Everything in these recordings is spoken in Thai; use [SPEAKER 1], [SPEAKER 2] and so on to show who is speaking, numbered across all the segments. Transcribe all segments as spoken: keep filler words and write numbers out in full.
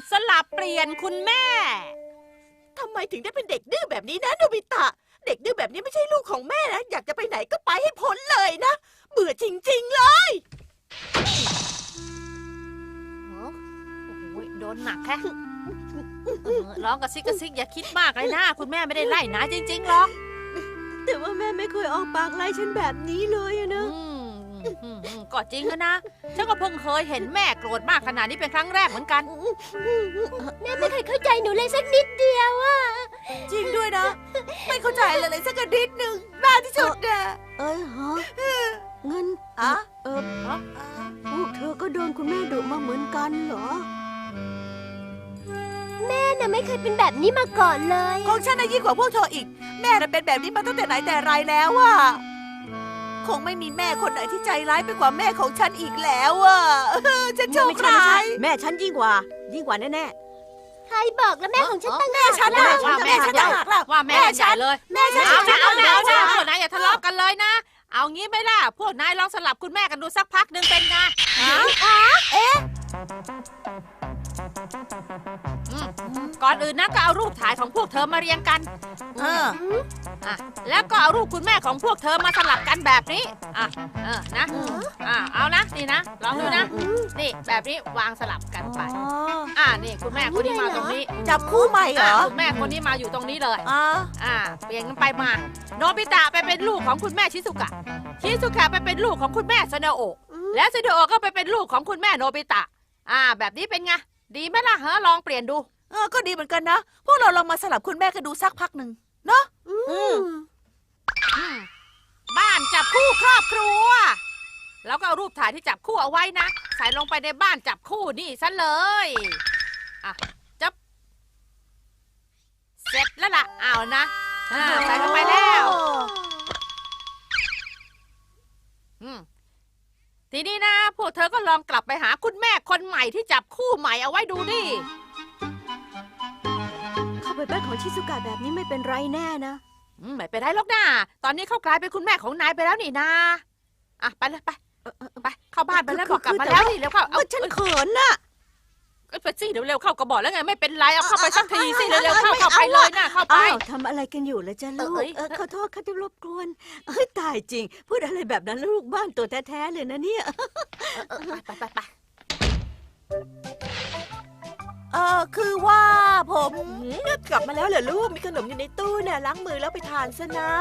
[SPEAKER 1] สลับเปลี่ยนคุณแม่
[SPEAKER 2] ทำไมถึงได้เป็นเด็กดื้อแบบนี้นะโนบิตะเด็กดื้อแบบนี้ไม่ใช่ลูกของแม่นะอยากจะไปไหนก็ไปให้พ้นเลยนะเบื่อจริงๆเลย
[SPEAKER 1] โอ้โหโดนหนักแค่ร้องกระซิกกระซิกอย่าคิดมากเลยนะคุณแม่ไม่ได้ไล่นะจริงๆหรอก
[SPEAKER 2] แต่ว่าแม่ไม่เคยออกปากไล่ฉันแบบนี้เลยนะ
[SPEAKER 1] ก็จริงนะฉันก็เพิ่งเคยเห็นแม่โกรธมากขนาดนี้เป็นครั้งแรกเหมือนกัน
[SPEAKER 3] แม่ไม่เคยเข้าใจหนูเลยสักนิดเดียวอะ
[SPEAKER 2] จริงด้วยนะไม่เข้าใจเลยเลยสักนิดหนึ่งบ้าที่สุดอะ
[SPEAKER 4] เอ้ยฮะเงิน
[SPEAKER 2] อะ
[SPEAKER 4] เออพวกเธอก็โดนคุณแม่ดุมาเหมือนกันเหรอ
[SPEAKER 3] แม่น่ะไม่เคยเป็นแบบนี้มาก่อนเลย
[SPEAKER 2] ของฉันน่ะยิ่งกว่าพวกเธออีกแม่น่ะเป็นแบบนี้มาตั้งแต่ไหนแต่ไรแล้วอะคงไม่มีแม่คนไหนที่ใจร้ายไปกว่าแม่ของฉันอีกแล้วอ่ะฉันโชคร้าย
[SPEAKER 4] แม่ฉันยิ่งกว่ายิ่งกว่าแน่
[SPEAKER 3] ๆใครบอกแล้วแม่ของฉันตั้ง
[SPEAKER 2] แม่ฉันนะ
[SPEAKER 1] ว่าแม่ฉันว่าแม่ฉันเลย
[SPEAKER 2] แม่ฉัน
[SPEAKER 1] เอาเอาเอาเอาพวกนายอย่าทะเลาะกันเลยนะเอางี้ไหมล่ะพวกนายลองสลับคุณแม่กันดูสักพักหนึ่งเป็นไง
[SPEAKER 2] เอ๊ะ
[SPEAKER 1] ก่อนอื่นนะก็เอารูปถ่ายของพวกเธอมาเรียงกัน
[SPEAKER 2] เออ
[SPEAKER 1] อ่ะแล้วก็เอารูปคุณแม่ของพวกเธอมาสลับกันแบบนี้อ่ะเออนะอ่ะเอานะนี่นะลองดูนะนี่แบบนี้วางสลับกันไปอ่ะนี่คุณแม่คนนี้มาตรงนี้
[SPEAKER 2] จับคู่ใหม่เหรอ
[SPEAKER 1] คุณแม่คนนี้มาอยู่ตรงนี้เลย
[SPEAKER 2] อ่า
[SPEAKER 1] อ่ะเปลี่ยนกันไปมาโนบิตะไปเป็นลูกของคุณแม่ชิซุกะชิซุกะไปเป็นลูกของคุณแม่ซาเนโอะและซาเนโอะก็ไปเป็นลูกของคุณแม่โนบิตะอ่าแบบนี้เป็นไงดีไหมล่ะฮะลองเปลี่ยนดู
[SPEAKER 2] เออก็ดีเหมือนกันนะพวกเราลองมาสลับคุณแม่กันดูสักพักหนึ่งเนาะ
[SPEAKER 1] บ้านจับคู่ครอบครัวแล้วก็เอารูปถ่ายที่จับคู่เอาไว้นะใส่ลงไปในบ้านจับคู่นี่ซะเลยอ่ะจับเสร็จแล้วล่ะเอานะใส่ลงไปแล้วทีนี้นะพวกเธอก็ลองกลับไปหาคุณแม่คนใหม่ที่จับคู่ใหม่เอาไว้ดูดิ
[SPEAKER 4] เข้าไปบ้านของชิซุกะแบบนี้ไม่เป็นไรแน่นะ
[SPEAKER 1] ไม่เป็นไรหรอกนะตอนนี้เขากลายเป็นคุณแม่ของนายไปแล้วนี่นาอ่ะไปเลยไปไปเข้าบ้านไปแล้วบอกกลับมาแล้วนี่เร็วเข้า
[SPEAKER 4] เอาฉันเขินน่ะ
[SPEAKER 1] ไปสิเร็วๆเข้าก็บอกแล้วไงไม่เป็นไรเอาเข้าไปสักทีสิเร็วๆเข้าเข้าไปเลยนะเข้าไป
[SPEAKER 4] ทำอะไรกันอยู่ล่ะจ๊ะลูกขอโทษค่ะที่รบกวนเอ้ยตายจริงพูดอะไรแบบนั้นลูกบ้านตัวแท้ๆเลยนะเนี่ย
[SPEAKER 1] ไปไปไป
[SPEAKER 2] เออคือว่าผมกลับมาแล้วเหรอลูกมีขนมอยู่ในตู้เนี่ยล้างมือแล้วไปทานซะนะ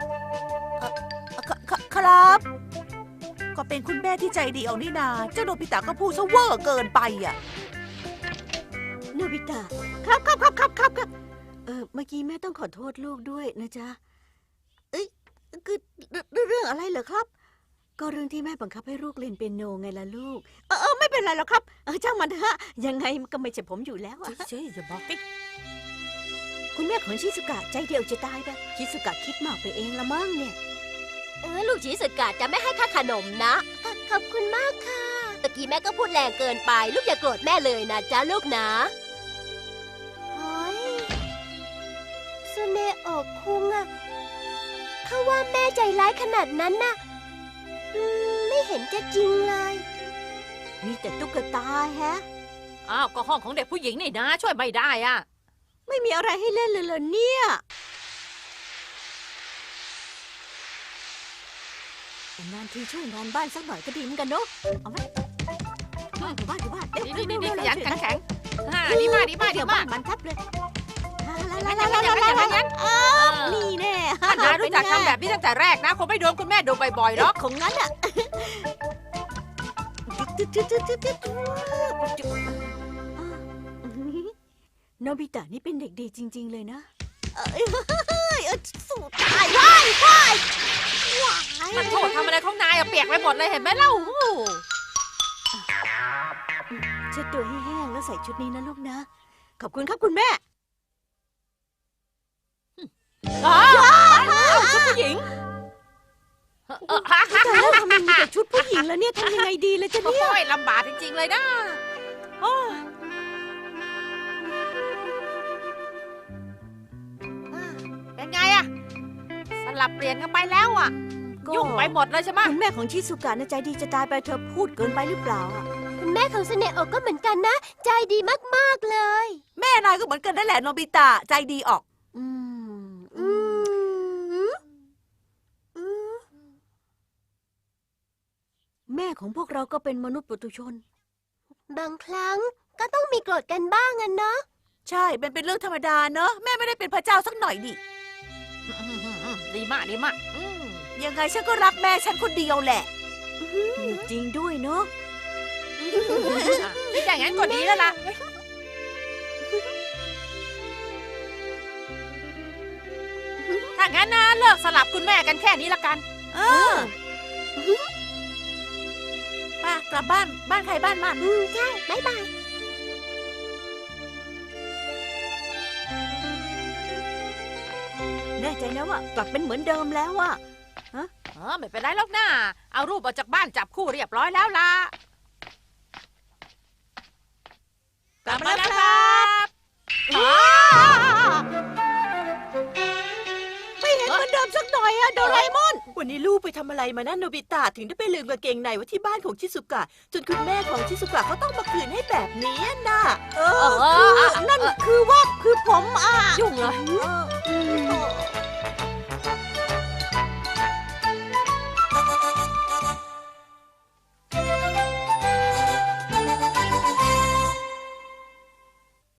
[SPEAKER 2] ครับก็เป็นคุณแม่ที่ใจดีเอานี่นาเจ้าโนบิตะก็พูดซะเวอร์เกินไปอ่ะ
[SPEAKER 4] โนบิตะครับครับครับครับครับครับเออเมื่อกี้แม่ต้องขอโทษลูกด้วยนะจ๊ะเอ้ยคือเรื่องอะไรเหรอครับก็เรื่องที่แม่บังคับให้ลูกเล่นเปียโนไงล่ะลูกเออเออไม่เป็นไรหรอกครับเออช่างมันเถอะยังไงก็ไม่ใช่ผมอยู่แล้วอะ
[SPEAKER 1] เจ๊อย่าบอกดิ
[SPEAKER 4] คุณแม่ของชิซุกะใจเดียวจะตายไปชิซุกะคิดมากไปเองละมั้งเนี่ย
[SPEAKER 3] เออลูกชิซุกะจะไม่ให้ค่าขนมนะขอบคุณมากค่ะตะกี้แม่ก็พูดแรงเกินไปลูกอย่าโกรธแม่เลยนะจ๊ะลูกนะเฮ้ยซูเนโอะคุงอะเขาว่าแม่ใจร้ายขนาดนั้นน่ะไม่เห็นจะจริงเลย
[SPEAKER 4] มีแต่ตุ๊กตาแฮะ
[SPEAKER 1] อ้าวก็ห้องของเด็กผู้หญิงนี่นะช่วยไม่ได้อ่ะ
[SPEAKER 4] ไม่มีอะไรให้เล่นเลยเหรอเนี่ยนานทีช่วยงานบ้านสักหน่อยก็ดีเหมือนกันเนาะเอาไหมบ้านอยู่บ้านอยู่บ้าน
[SPEAKER 1] นี่นี่นี่ขยันแข็งแข็งดีมากดีมากดีมาก
[SPEAKER 4] มันทับเลย
[SPEAKER 1] งั้นงั้นงั้นงั้นงั้นงั้น
[SPEAKER 4] นี่แน่
[SPEAKER 1] นายรู้จักทำแบบนี้ตั้งแต่แรกนะคงไม่โดนคุณแม่โดนบ่อยๆหรอก
[SPEAKER 4] ของงั้นอ่ะโนบิตะนี่เป็นเด็กดีจริงๆเลยนะ
[SPEAKER 3] สู้ตายว้ายว้าย
[SPEAKER 1] มันโทษทำอะไรของนายอะเปียกไปหมดเลยเห็นไหมเล่า
[SPEAKER 4] เช็ดตัวให้แห้งแล้วใส่ชุดนี้นะลูกนะขอบคุณครับคุณแม่
[SPEAKER 1] อ๋อชุดผู้หญิง
[SPEAKER 4] แต่แล้วทำไมมีแต่ชุดผู้หญิงแล้วเนี่ยทำยังไงดีเลยจ๊ะเนี่ย
[SPEAKER 1] โอ้ยลำบากจริงๆเลยนะเป็นไงอะสลับเปลี่ยนกันไปแล้วอะยุ่งไปหมดเลยใช่ไหม
[SPEAKER 4] คุณแม่ของชิซุกะน่ะใจดีจะตายไปเธอพูดเกินไปหรือเปล่าอ่ะ
[SPEAKER 3] คุณแม่ของสเนโอะก็เหมือนกันนะ ใจดีมากๆเลย
[SPEAKER 2] แม่นายก็เหมือนกันนั่นแหละโนบิตะใจดีออก
[SPEAKER 4] อืม
[SPEAKER 3] อืมอืม
[SPEAKER 4] แม่ของพวกเราก็เป็นมนุษย์ปุถุชน
[SPEAKER 3] บางครั้งก็ต้องมีโกรธกันบ้างอะเนาะ
[SPEAKER 2] ใช่เป็นเป็นเรื่องธรรมดาเนอะแม่ไม่ได้เป็นพระเจ้าสักหน่อยดิ
[SPEAKER 1] ดีมากดีมากอืม
[SPEAKER 2] ยังไงฉันก็รักแม่ฉันคนเดียวแหละ
[SPEAKER 4] จริงด้วยเนาะ
[SPEAKER 1] อ่ะคิดอย่างนั้นก็ดีแล้วล่ะถ้างั้นนะเลิกสลับคุณแม่กันแค่นี้ละกัน
[SPEAKER 2] เออไป่ะกลับบ้านบ้านใครบ้านมัน
[SPEAKER 3] อืมใช่ บ๊ายบาย
[SPEAKER 4] แน่ใจนะว่ากลับเป็นเหมือนเดิมแล้วอะ
[SPEAKER 1] เออไม่เป็นไรหรอกนะเอารูปออกจากบ้านจับคู่เรียบร้อยแล้วล่ะกลับมาแล้วครับอ้า
[SPEAKER 4] ไม่เห็นเหมือนเดิมสักหน่อยอะโดราเอมอน
[SPEAKER 5] วันนี้ลูกไปทำอะไรมานะโนบิตะถึงได้ไปลืมกางเกงในไว้ที่บ้านของชิสุกะ จนคุณแม่ของชิสุกะเขาต้องมาคืนให้แบบนี้น่ะ
[SPEAKER 4] เออคือนั่นคือว่าคือผมอ่ะ
[SPEAKER 1] ยุ่งเลย
[SPEAKER 4] เออ